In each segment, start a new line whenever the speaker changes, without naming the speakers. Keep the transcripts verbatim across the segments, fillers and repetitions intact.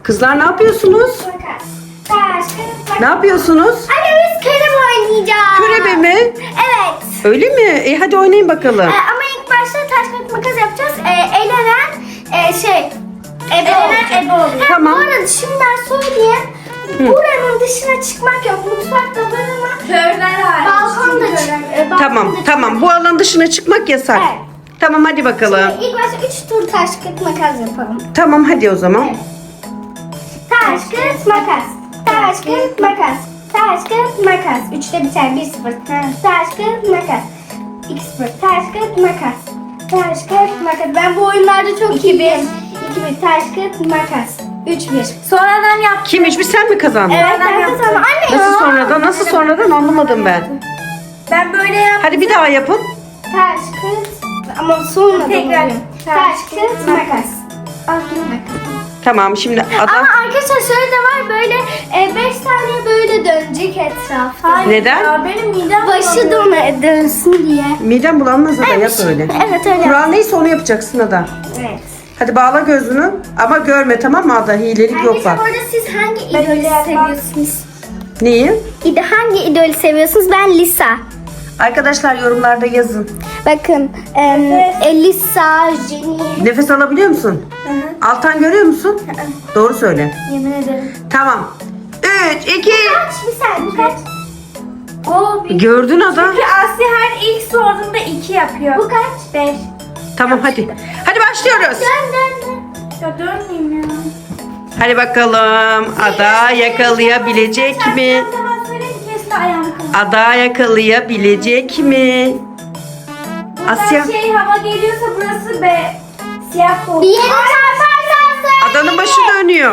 Kızlar ne yapıyorsunuz?
Makas. Taş, kağıt, makas.
Ne yapıyorsunuz?
Anne biz körebe oynayacağız.
Körebe mi?
Evet.
Öyle mi? E hadi oynayın bakalım.
Ee, ama ilk başta taş, kağıt, makas yapacağız. Ee, elenen e, şey. Ebe elenen ebe oluyor.
Tamam.
Bu arada şimdi ben söyleyeyim. Buranın dışına çıkmak yok. Mutfakta var ama
Körler hariç.
balkonda
Çünkü
çık.
körler-
e, balkonda
Tamam
çık-
tamam, bu alanın dışına çıkmak yasak.
Evet.
Tamam hadi bakalım.
İlk başta üç tur taş, kağıt, makas yapalım.
Tamam hadi o zaman.
Evet. Taş, kağıt, makas. Taş, kağıt, makas. Taş, kağıt, makas. Üçte biter. Bir sıfır. Taş, kağıt, makas. İki sıfır. Taş, kağıt, makas. Taş, kağıt, makas. Ben bu oyunlarda çok iyiyim. İki bir. Taş, kağıt, makas. Üç bir.
Sonradan yap.
Kim hiçbir sen mi kazandın?
Evet ben kazandım. Anne ya.
Nasıl sonradan? Nasıl sonradan anlamadım ben.
Ben böyle yap.
Hadi bir daha yapın.
Taş, kağıt. Ama sonra
Tekrar.
Taş, kağıt, makas. Al yine makas.
Tamam şimdi
Ama
ada.
arkadaşlar şöyle de var, böyle e, beş saniye böyle dönecek etrafta.
Hayır
Neden?
Ya, benim midem
Başı dön dönsün diye.
Midem bulanmaz da yap öyle.
Evet öyle.
Kural neyse onu yapacaksın ada.
Evet.
Hadi bağla gözünü ama görme, tamam mı ada? Hilelik yok
Arkadaşlar
bak.
orada siz hangi
Ben
idolü
öyle yapmam.
seviyorsunuz?
Neyi?
İde hangi idolü seviyorsunuz? Ben Lisa.
Arkadaşlar yorumlarda yazın.
Bakın em, e, Lisa, Jenny.
Nefes alabiliyor musun? Altan görüyor musun? Doğru söyle.
Yemin ederim.
Tamam. üç, iki.
Kaç bir saniye kaç?
O bir.
Gördün ada.
Çünkü Asya her ilk sorduğunda iki yapıyor.
Bu kaç?
Beş.
Tamam hadi. Hadi başlıyoruz.
Dön dön dön.
Ya dönmeyeyim ya.
Hadi bakalım. Ada yakalayabilecek mi?
Tamam söyleyeyim kesin ayağımı kırdım.
Ada yakalayabilecek mi?
Buradan
Asya.
şey hava geliyorsa burası be. Siyah koltuk.
Bir yere çarparsan söyle.
Adanın başı dönüyor.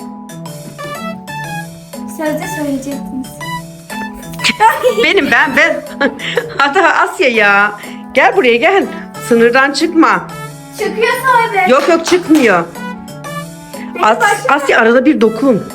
Sözde söyleyecektiniz.
Benim ben ben. Ada Asya ya. Gel buraya gel. Sınırdan çıkma.
Çıkıyorsa o be.
Yok yok çıkmıyor. As, Asya arada bir dokun.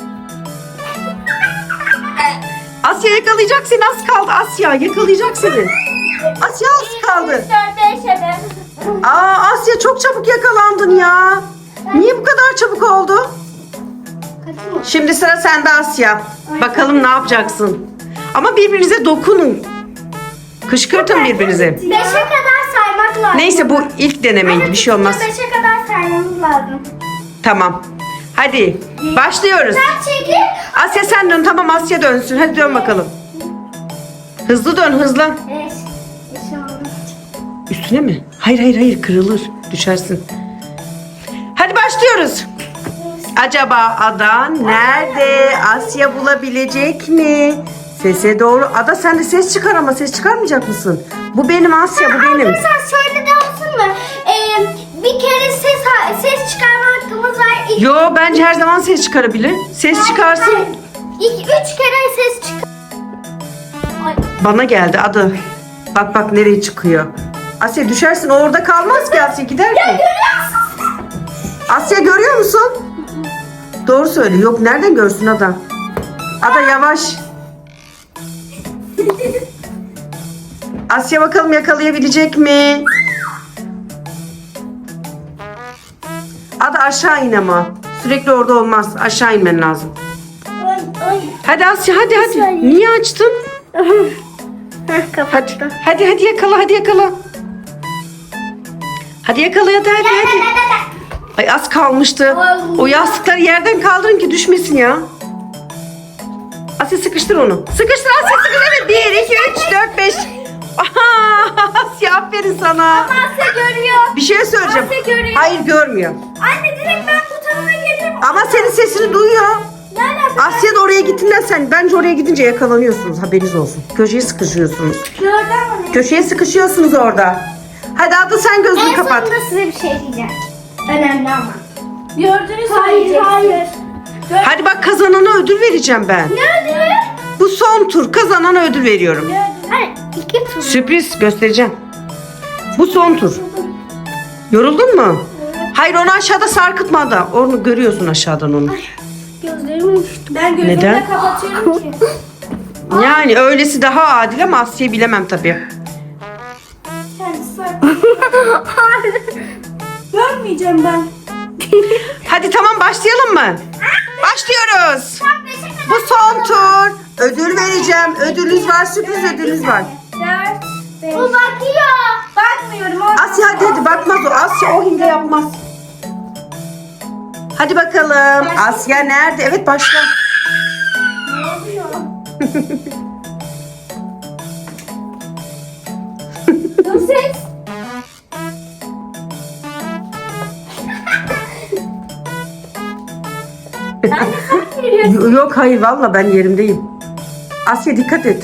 Asya yakalayacak seni, az kaldı Asya. Yakalayacak seni. Asya az kaldı.
Dört beş ebe.
Aa Asya çok çabuk yakalandın ya. Niye bu kadar çabuk oldu? Şimdi sıra sende Asya. Bakalım ne yapacaksın? Ama birbirinize dokunun. Kışkırtın birbirinize.
Beşe kadar saymak lazım.
Neyse bu ilk denemeydi, bir şey olmaz.
Beşe kadar saymamız lazım.
Tamam. Hadi başlıyoruz.
Sen çekil.
Asya sen dön, tamam Asya dönsün. Hadi dön bakalım. Hızlı dön, hızlı.
Beş. Beş oldu.
Üstüne mi? Hayır hayır hayır, kırılır. Düşersin. Hadi başlıyoruz. Acaba Ada nerede? Asya bulabilecek mi? Sese doğru. Ada sen de ses çıkar ama ses çıkarmayacak mısın? Bu benim Asya, bu benim.
Arkadaşlar şöyle de olsun mu? Ee, bir kere ses ses çıkarma hakkımız var. İki,
Yo bence her zaman ses çıkarabilir. Ses çıkarsın.
İki, üç kere ses çıkar. Ay,
Bana geldi Ada. Bak bak nereye çıkıyor. Asya düşersin, o orada kalmaz ki, Asya gider ki. Asya görüyor musun? Doğru söyle. Yok nereden görsün Ada? Ada yavaş. Asya bakalım yakalayabilecek mi? Ada aşağı in ama. Sürekli orada olmaz. Aşağı inmen lazım.
ay, ay.
Hadi Asya hadi hadi. Niye açtın?
Heh, kapattı.
Hadi. Hadi hadi yakala, hadi yakala. Hadi yakala hadi hadi hadi. Ay az kalmıştı. O yastıkları yerden kaldırın ki düşmesin ya. Asya sıkıştır onu. Sıkıştır Asya, sıkıştır. Evet bir, iki, üç, dört, beş. Aha, Asya aferin sana.
Asya görüyor.
Bir şey söyleyeceğim.
Asya görüyor.
Hayır görmüyor.
Anne direkt ben bu tarafa gelirim.
Ama senin sesini duyuyor.
Ne alaka?
Asya da oraya gittiğinden sen bence oraya gidince yakalanıyorsunuz, haberiniz olsun. Köşeye sıkışıyorsunuz.
Gördün mü?
Köşeye sıkışıyorsunuz orada. Hadi Ada sen gözünü
En
kapat.
sonunda size bir şey diyeceğim. Önemli ama.
Gördüğünü
Hayır,
söyleyeceksin.
hayır.
Gör-
Hadi bak, kazanana ödül vereceğim ben.
Nerede?
Bu son tur, kazanana ödül veriyorum.
Gördün.
Hayır, iki tur.
Sürpriz göstereceğim. Bu son tur. Yoruldun mu? Hayır onu aşağıda sarkıtma da. Onu görüyorsun aşağıdan onu.
Gözlerim uçtu.
Ben gözümü
Neden?
de kapatıyorum ki.
Yani öylesi daha adil ama Asya'yı bilemem tabii.
Kendisi var. Görmeyeceğim ben.
Hadi tamam başlayalım mı? başlıyoruz.
Tam beşe kadar.
Bu son tur. Ödül vereceğim. Ödülünüz var, sürpriz ödülünüz var.
Dört, beş.
Bu bakıyor.
Bakmıyorum. o-
Asya hadi hadi bakmaz o. Asya o hile yapmaz. Hadi bakalım. Asya nerede? Evet başla.
Ne oluyor? Bu ses. Sen de sen veriyorsun.
Y- Yok hayır valla ben yerimdeyim. Asya dikkat et.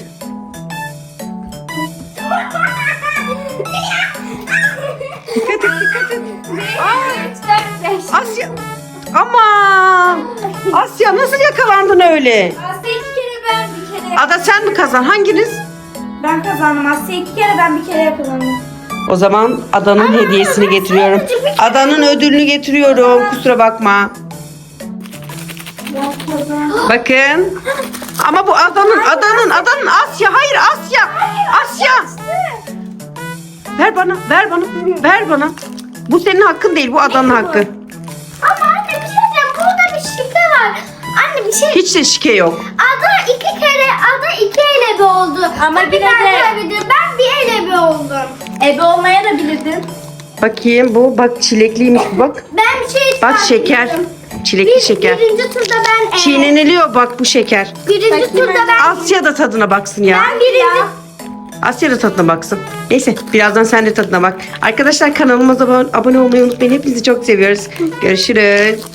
Dikkat et dikkat et.
üç, dört, beş.
Asya. Aman. Asya nasıl yakalandın öyle?
Asya iki kere ben bir kere.
Ada sen mi kazan? Hanginiz?
Ben kazandım. Asya iki kere ben bir kere yakalandım.
O zaman Adanın hediyesini getiriyorum. Adanın ödülünü getiriyorum. Kusura bakma.
Ben kazandım.
Bakın. Ama bu Adanın, Adanın, Adanın Asya. Hayır Asya. Asya. Ver bana, ver bana, ver bana. Bu senin hakkın değil, bu Adanın hakkı.
Ama anne bir şey diyeceğim. Burada bir şike var. Anne bir şey.
Hiç de şike yok.
Ada iki kere, Ada iki elebe oldu.
Ama
Tabii
yine
ben
de-
kaybediyorum. Ben bir elebe oldum.
Ebe olmaya da bilirdin.
Bakayım bu, bak çilekliymiş bu bak.
Ben bir şey
Bak şeker.
kaybettim.
Çilekli
Bir,
şeker.
Birinci turda ben e,
Çiğneniliyor bak bu şeker.
Birinci
Bakayım
turda
ben.
ben
Asya da tadına baksın ya.
ben birinci
Asya da tadına baksın. Neyse birazdan sen de tadına bak. Arkadaşlar kanalımıza abone abone olmayı unutmayın. Hepinizi çok seviyoruz. Görüşürüz.